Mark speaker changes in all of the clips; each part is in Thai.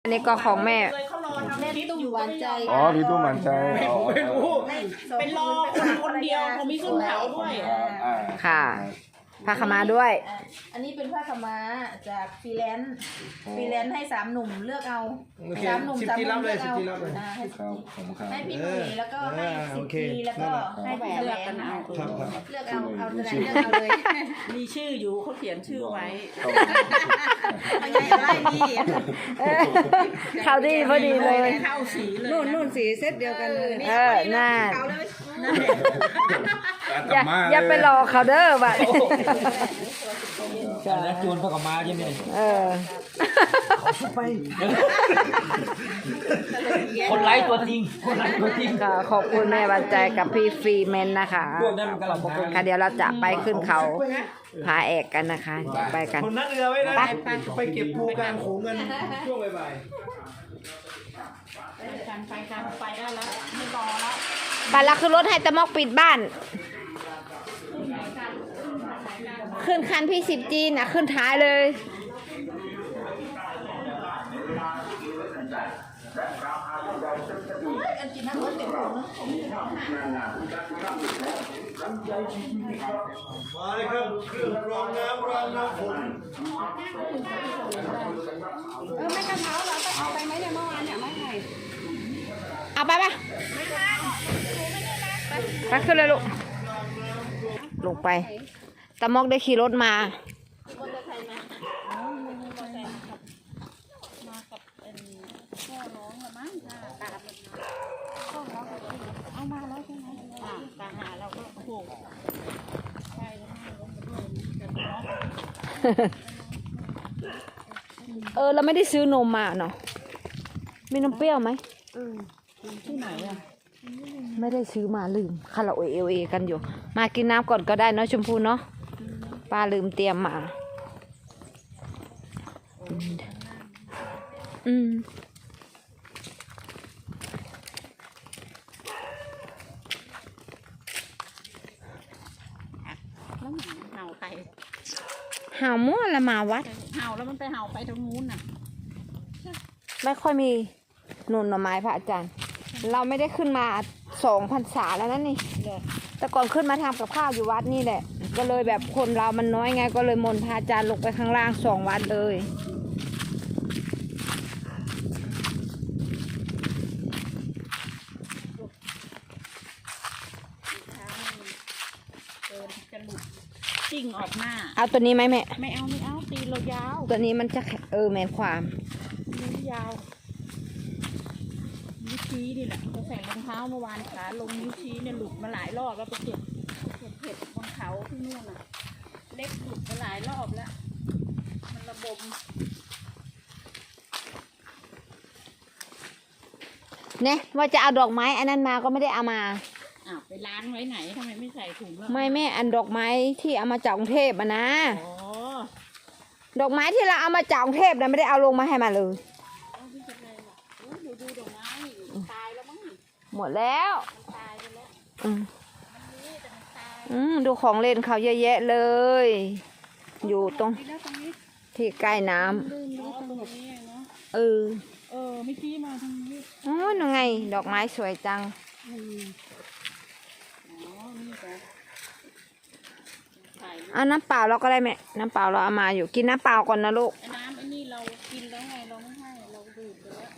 Speaker 1: อันนี้ก็ของแม่
Speaker 2: แม่ตุ้มหวานใจ
Speaker 3: อ๋อพี่ตุ้มหวานใจ
Speaker 4: ไม่รู้
Speaker 2: เป็นรอคนเดียวเขามีขึ้นเขาด้วย
Speaker 1: ค่ะผ้าขม้าด้วย
Speaker 2: อันนี้เป็นผ้าขม้าจากฟรีแลนซ์ให้3 หนุ่มเลือกเอา3 หนุ่ม3 หนุ่มเลือกเอาให้พี่หนุ่ยแล้วก็ให้10 ปีแล้วก็ให้แหวนเลือกกันเอาเลือกเอาตัวไหนเลือกเอาเลยมีชื่ออยู่เขาเขียนชื่อไว้เอาใหญ่ไล่นี่
Speaker 1: เข้าดีพอดีเลย
Speaker 2: เข้าสีเลย
Speaker 5: นู่นสีเซตเดียวกันเลย
Speaker 1: น่า
Speaker 3: อย่า
Speaker 1: ไปรอเขาเด้อบัด
Speaker 4: แล้วจวนพกมาใช่ไหม
Speaker 1: ไป
Speaker 4: คนไร้ตัวจริง
Speaker 1: ค่ะขอบคุณแม่บันใจกับพี่ฟรีแมนนะคะขอบคุณค่ะเดี๋ยวเราจะไปขึ้นเขาพาแอกกันนะคะไปกัน
Speaker 4: คนนั่งเรือไว้นะไปเก็บปูกลางโขงกันช่วงบ่าย
Speaker 2: ไปได้แล้วไม่รอแล้ว
Speaker 1: ไปแล้วคือรถให้ตะมอกปิดบ้านขึ้นคันพี่10 จีนนะขึ้นท้ายเลย
Speaker 4: มาเลยครับเครื่องรองน้ำฝน
Speaker 5: ไม่กระเช้าเราต้องเอาไปไหมเนี่ยเมื่อวานเนี่ยไม่ให้
Speaker 1: เอาไปไปขึ้นเลยลูกลงไปตะมอกได้ขี่รถมา
Speaker 5: เอามาแล้วใช่ไหม
Speaker 2: ตาหาเราก็โหใช่
Speaker 1: เราไม่ได้ซื้อนมมาเนาะมีนมเปรี้ยวไหม
Speaker 2: ที่ไหนอ่ะ
Speaker 1: ไม่ได้ซื้อมาลืมคาราโอเอกันอยู่มากินน้ำก่อนก็ได้เนาะชมพูเนาะป้าลืมเตรียมมา
Speaker 2: แล้วเห่าใคร
Speaker 1: เห่ามั่วละมาวัด
Speaker 2: เห่าแล้วมันไปเห่าไปทางนู้นน่ะ
Speaker 1: ไม่ค่อยมีหนุนหน่อไม้พระอาจารย์เราไม่ได้ขึ้นมา2 พรรษาแล้วนั่นนี่แต่ก่อนขึ้นมาทำกับข้าวอยู่วัดนี่แหละก็เลยแบบคนเรามันน้อยไงก็เลยมนพระอาจารย์ลงไปข้างล่าง2 วัดเลย
Speaker 2: จิ้งออกหน้า
Speaker 1: เอาตัวนี้ไหมแม่
Speaker 2: ไม่เอาตีเรายาว
Speaker 1: ตัวนี้มันจะแมนความ
Speaker 2: นิ้วยาวนิ้วชี้นี่แหละเขาใส่รองเท้าเมื่อวานขาลงนิ้วชี้เนี่ยหลุดมาหลายรอบแล้วไปเก็บเห็ดบนเขาที่นู่นน่ะเล็กหลุดมาหลายรอบแล้วมันระบม
Speaker 1: เนี่ยว่าจะเอาดอกไม้อันนั้นมาก็ไม่ได้เอามา
Speaker 2: ไปล้างไว้ไหนทำไมไม่ใส่ถุงแล้ว
Speaker 1: ไม่แม่อันดอกไม้ที่เอามาจากกรุงเทพอะนะดอกไม้ที่เราเอามาจากกรุงเทพนะไม่ได้เอาลงมาให้มาเลย
Speaker 2: ดูดอกไม้ตายแล้วมั้ง
Speaker 1: หมดแล้ว
Speaker 2: ตายไปแล้ว
Speaker 1: ดูของเล่นเขาเยอะแยะเลยอยู่ตรงที่ใกล้น้ำ
Speaker 2: ไม่ชี้มาทางนี้
Speaker 1: นั่นไงดอกไม้สวยจังเอาน้ำเปล่าเราก็ได้แม่น้ำเปล่าเราเอามาอยู่กินน้ำเปล่าก่อนนะลูก
Speaker 2: น้ำไอ้นี่เรากินแล้วไงเราไม่ให้เราดื่มไปแล้ว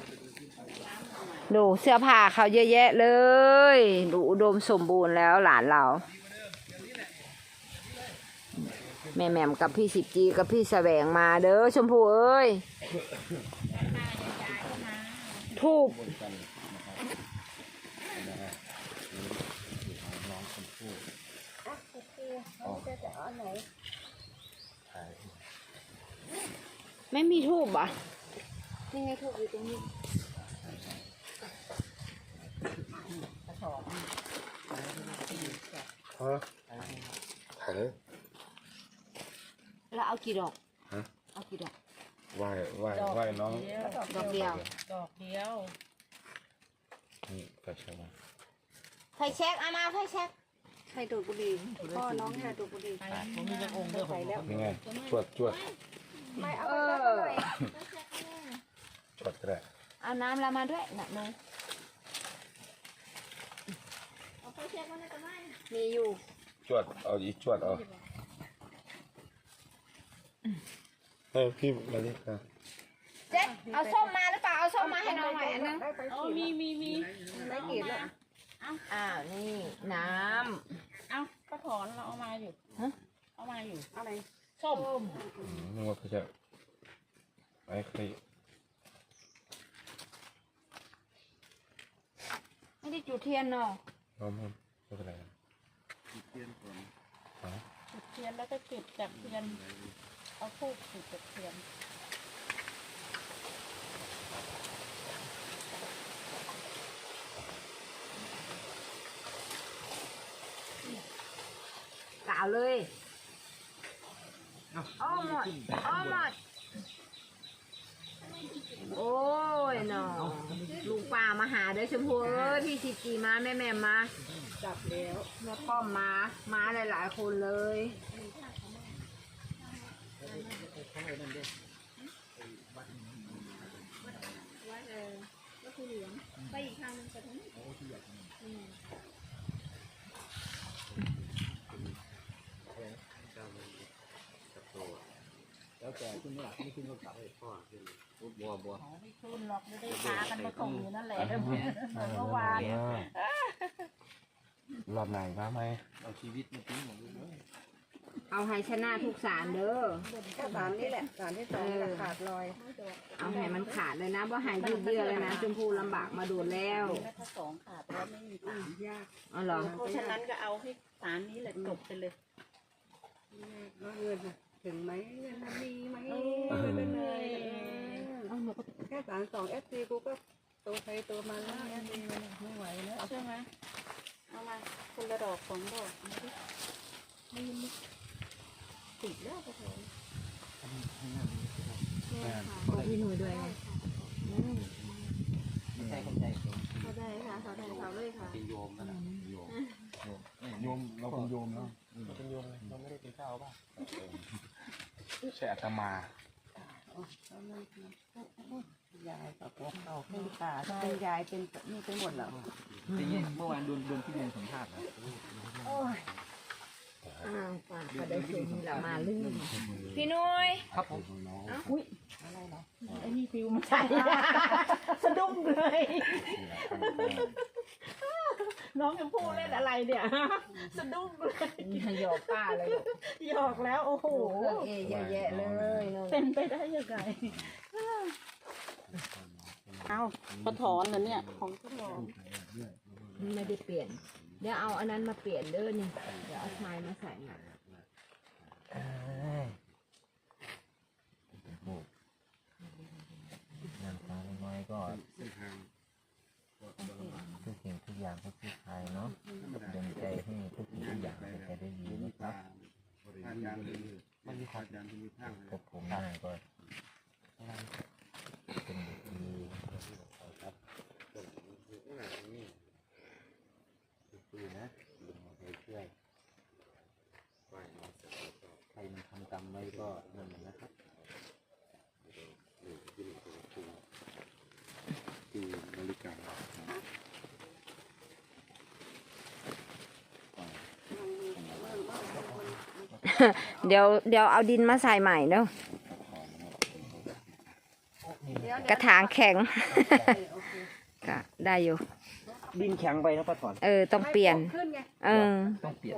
Speaker 1: ดูเสื้อผ้าเขาเยอะแยะเลยดูอุดมสมบูรณ์แล้วหลานเราแม่แหม่มกับพี่10 จีกับพี่แสวงมาเด้อชมพูเอ้ยทูบไม่มีทูบอ่ะ
Speaker 5: นี่ไงทูบอยู่ตรงนี้
Speaker 3: ถ่ายเลย
Speaker 1: แล้วเอากี่ดอกเอากี่ดอก
Speaker 3: ไหว้น้อง
Speaker 1: ดอกเดียว
Speaker 3: นี่ไฟแช็กมา
Speaker 1: ไฟแช็กเอามาไฟแช็ก
Speaker 5: ไฟดูดบุหรี่พ่อน้องเนี่ยดูดบุหรี่
Speaker 4: ผมมีจะองค์เดียว
Speaker 3: นี่ไงจวด
Speaker 5: ไม่เอาไปเลย
Speaker 3: จดก็ได้
Speaker 1: เอาน้ำเรามาด้วยหนักเลย
Speaker 2: เอาไปเช็คมันจะไม่
Speaker 1: มีอยู่
Speaker 3: จวดเอาอีกจวดเอาเฮ้ยพี่มาดิค่ะ
Speaker 1: เจ๊เอาส้มมาหรือเปล่าเอาส้มมาให้น้องหน่อยอันนึง
Speaker 5: อ๋อมี
Speaker 1: ได้กี่แล้วอ้าวนี่น้
Speaker 5: เอาก็ถอนเราเอามาอยู่
Speaker 1: ฮะ
Speaker 5: เอามาอยู่อะไรส้ม
Speaker 3: นึกว่าเขาจะไอ้ใคร
Speaker 1: ำไม่ได้จุดเทียนเนาะ
Speaker 3: น้องมันไม่เป็นไร
Speaker 5: จุดเทียนแล้วก็จุดจากเทียนเอาทูบจุดจากเทียน
Speaker 1: กล่าวเลยอ้อหมดอ้อหมดโอ้ยเนาะลุงป้ามาหาเด้อชมพูเอ้ยพี่สิกีมาแม่มา
Speaker 5: จับแล้ว
Speaker 1: แม่ป้อมมาหลายๆคนเลย
Speaker 2: ไปอีกทางนึงไปทางนี้
Speaker 5: ไม่ขึ้นหรอกไม่ได้พากันมาส่งอยู่นั่นแหละเหมือนเมื่อวาน
Speaker 3: รอบไหนมาไหม
Speaker 1: เอาให้ชนะทุกสารเด้อ
Speaker 5: ก็สารนี่แหละสารที่สองขาดลอย
Speaker 1: เอาให้มันขาดเลยนะว่าหายยืดเยื้อเลยนะชมพูลำบากมาโดนแล้ว
Speaker 5: ถ้าสองขาดแล้วไม่มีตังค์ยาก
Speaker 1: อ๋อเหรอ
Speaker 5: เพราะฉะนั้นก็เอาให้สารนี้แหละจบไปเลยแล้วเงินถึงไหมเงินมีไหมแค่สารสองเอฟซีกูก็ตัวใครตัวมันแล้วไม่ไหวแล้วใช่ไหมเอามาคนละดอกสองดอกไม่ติดแล้วก็เถอะ
Speaker 1: บอกพี่หนุ่ยด้วย
Speaker 2: เขาได้ค่ะเขาได้เขาเลยค่ะ
Speaker 3: โยมเราเป็นโยมแล้วเราเป็นโยมเราไม่ได้เป็นเจ้าป่ะใช่อาตมา
Speaker 5: ยายกับพวกเราเป็นตาเป็นยายเป็นนี่เป็นหมดแล้ว
Speaker 4: เมื่อวานโดนพี่เรียนสัมภาษณ์นะ
Speaker 1: อ้าวป้าก็ได้สิ่งนี้เรามาลืมพี่หนุ่ย
Speaker 4: ครับผม
Speaker 5: ไอ้นี่ฟิวมาใส่สะดุ้งเลยน้องยังพูดเล่นอะไรเนี่ยสะดุ้งเลย
Speaker 1: หยอกป้าเลย
Speaker 5: หยอกแล้วโอ้โห
Speaker 1: เอะเยอะแยะเลยเนอะ
Speaker 5: เป็นไปได้ยังไงเอากระถอนเหรอเนี่ยของกระถอน
Speaker 1: ไม่ได้เปลี่ยน เดี๋ยวเอาอันนั้นมาเปลี่ยนเด้อนี่เดี๋ยวเอาไม้มาใส่หน่อย
Speaker 6: งานฟ้าน้อยก็ทุกสิ่งทุกอย่างก็คือไทยเนาะดลใจให้ทุกสิ่งทุกอย่างเป็นไปได้ดีนะครับพบผมหน้าก็เป็นเด็กดีครับดีนะลุงไปช่วยใครมันทำกรรมไว้ก็นั่นแหละนะครับที่นาฬิกา
Speaker 1: เดี๋ยวเอาดินมาใส่ใหม่เด้อ กระถางแข็ง ก็ได้อยู่
Speaker 4: ดินแข็งไปนะป้าถอน
Speaker 1: ต้องเปลี่ยน
Speaker 4: ต้องเปลี่ยน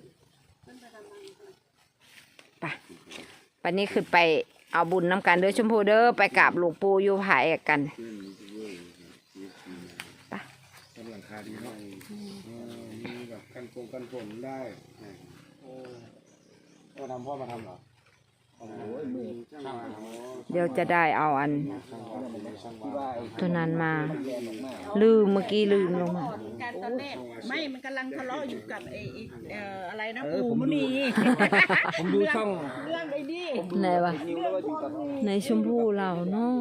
Speaker 1: ไปวันนี้ขึ้นไปเอาบุญน้ำกันเด้อชมพูเด้อไปกราบหลวงปู่อยู่ผายกัน
Speaker 3: กำลังคาดีเนาะมีแบบกันฝนได้ก็ทำพ่อมาทำเหรอโอ้ยมือช่างมา
Speaker 1: เดี๋ยวจะได้เอาอัน
Speaker 3: ช่างว่า
Speaker 1: ตัวนั้นมา ลืมเมื่อกี้ลืมลงมา
Speaker 5: การตอนแรกไม่มันกำลังทะเลาะอยู่กับไอ้อะไรนะปู่มุนี
Speaker 4: ผมดูช่อง
Speaker 5: เรื่องไอ้นี่
Speaker 1: ไหนวะ
Speaker 4: นิวแล้วก็อยู่กับ
Speaker 1: ในชมพูเราเนาะ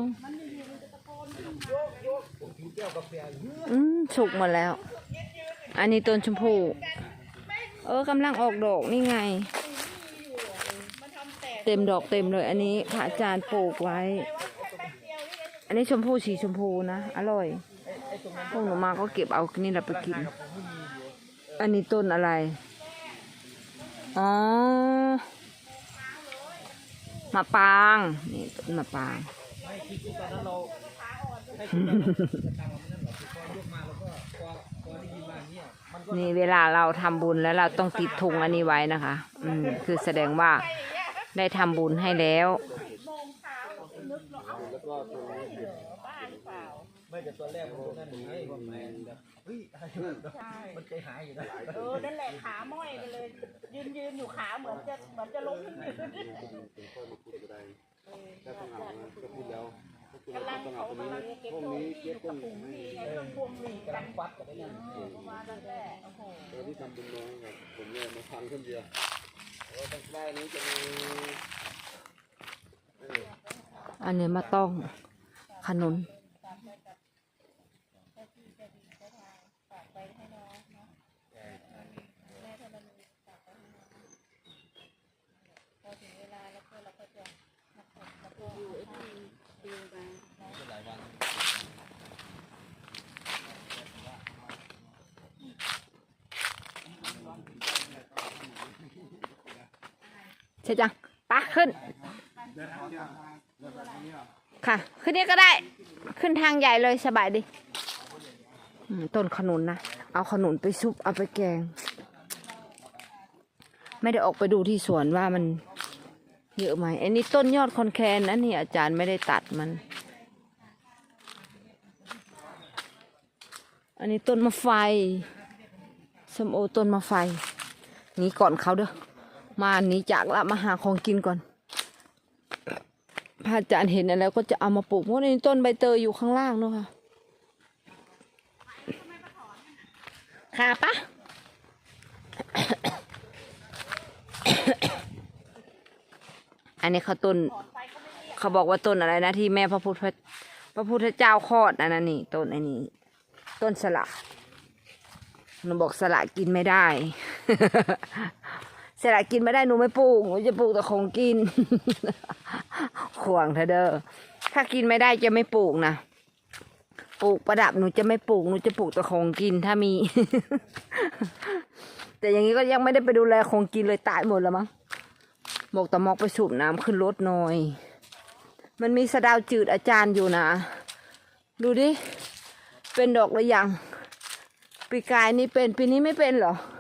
Speaker 1: สุกหมดแล้ว อันนี้ต้นชมพูกำลังออกดอกนี่ไง เต็มดอกเต็มเลย อันนี้พระอาจารย์ปลูกไว้ อนนี้ชมพูสีชมพูนะอร่อยพวกหนูมาก็เก็บเอานี่เราไปกิน อันนี้ต้นอะไรอ๋อมะปรางนี่ต้นมะปรางนี่เวลาเราทำบุญแล้วเราต้องติดธงอันนี้ไว้นะคะคือแสดงว่าได้ทำบุญให้แล้ว
Speaker 6: ไม่แต่ตอนแรกผมนั่นไงผมแมนแบบเฮ้ยมันใจหายอยู่นะ
Speaker 2: นั่นแหละขาม้อยไปเลยยืนอยู่ขาเหมือนจะล้มกำลังเขากำลังเก็บตัวที่อยู่กับถุงที่ไอ้เครื่องพวงหลีดกันวัดกันได้ยังประมาณนั้นแหละโอ้โห
Speaker 3: ที่ทำบุญน้อยครับผมเนี่ยมาฟังคนเดียวตั้งแต่นี้จะมี
Speaker 1: อันนี้มาต้องขนุนใช่จังปะขึ้น ค่ะ ขึ้นนี้ก็ได้ ขึ้นทางใหญ่เลยสบายดีต้นขนุนนะ เอาขนุนไปซุป เอาไปแกง ไม่ได้ออกไปดูที่สวนว่ามันเยอะไหมอันนี้ต้นยอดคอนแคนนะนี่อาจารย์ไม่ได้ตัดมัน อันนี้ต้นมะไฟส้มโอต้นมะไฟนี่ก่อนเขาเด้อ มาหนีจากละมาหาของกินก่อนพระอาจารย์เห็นอะไรก็จะเอามาปลูกเพราะในต้นใบเตยอยู่ข้างล่างเนาะค่ะค่ะปะ อันนี้เขาต้นเขาบอกว่าต้นอะไรนะที่แม่พระพุทธเจ้าคลอดอันนั้นนี่ต้นอันนี้ต้นสละหนูบอกสละกินไม่ได้ สละกินไม่ได้หนูไม่ปลูกหนูจะปลูกแต่ของกิน ขวางเธอเด้อถ้ากินไม่ได้จะไม่ปลูกนะปลูกประดับหนูจะไม่ปลูกหนูจะปลูกแต่ของกินถ้ามี แต่อย่างนี้ก็ยังไม่ได้ไปดูแลของกินเลยตายหมดแล้วมั้งบอกตะมอกไปสูบน้ำขึ้นรถหน่อย มันมีสะดาวจืดอาจารย์อยู่นะดูดิเป็นดอกหรือยังปีกายนี่เป็นปีนี้ไม่เป็นเหรอ